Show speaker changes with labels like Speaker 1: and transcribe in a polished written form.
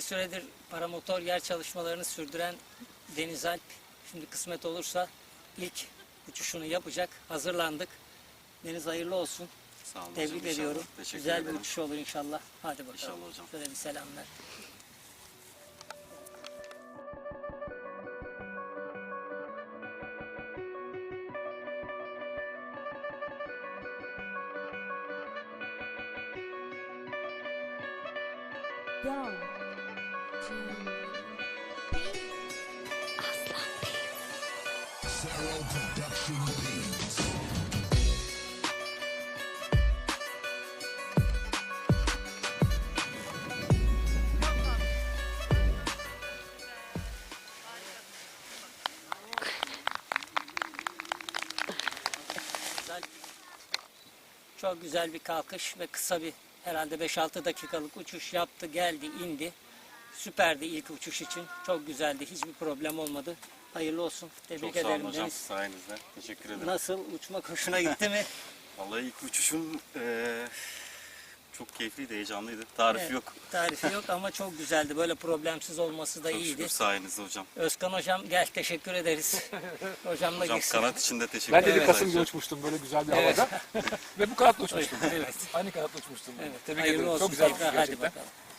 Speaker 1: bir süredir paramotor yer çalışmalarını sürdüren Deniz Alp, şimdi kısmet olursa ilk uçuşunu yapacak. Hazırlandık. Deniz hayırlı olsun.
Speaker 2: Sağ olun
Speaker 1: Tebrik
Speaker 2: hocam,
Speaker 1: ediyorum.
Speaker 2: inşallah. Teşekkür
Speaker 1: Güzel
Speaker 2: ederim.
Speaker 1: bir uçuş olur inşallah. Hadi bakalım.
Speaker 2: İnşallah hocam.
Speaker 1: Şöyle bir selamlar.
Speaker 3: Yo.
Speaker 4: Sarah Production Beats.
Speaker 1: Çok güzel bir kalkış ve kısa bir herhalde 5-6 dakikalık uçuş yaptı, geldi, indi. Süperdi ilk uçuş için. Çok güzeldi. Hiçbir problem olmadı. Hayırlı olsun. Tebrik
Speaker 2: Çok sağ olun
Speaker 1: ederim
Speaker 2: hocam,
Speaker 1: Deniz.
Speaker 2: sayenizde. Teşekkür ederim.
Speaker 1: Nasıl? Uçmak hoşuna gitti mi?
Speaker 2: Vallahi ilk uçuşum çok keyifliydi, heyecanlıydı. Tarifi
Speaker 1: Evet,
Speaker 2: yok.
Speaker 1: Tarifi yok ama çok güzeldi. Böyle problemsiz olması da
Speaker 2: Çok
Speaker 1: iyiydi.
Speaker 2: şükür sayenizde hocam.
Speaker 1: Özkan hocam gel, teşekkür ederiz. Hocamla
Speaker 2: Hocam
Speaker 1: girsin.
Speaker 2: kanat için de teşekkür
Speaker 5: Ben de
Speaker 2: ederim.
Speaker 5: bir Kasım'da uçmuştum böyle güzel bir havada. Ve bu kanatla uçmuştum.
Speaker 1: Evet.
Speaker 5: Aynı kanatla uçmuştum.
Speaker 1: Evet.
Speaker 5: Tebrik
Speaker 1: Hayırlı
Speaker 5: ederim.
Speaker 1: olsun.
Speaker 5: Çok güzel bir
Speaker 1: tekrar.
Speaker 5: şey
Speaker 1: Hadi
Speaker 5: gerçekten.
Speaker 1: bakalım.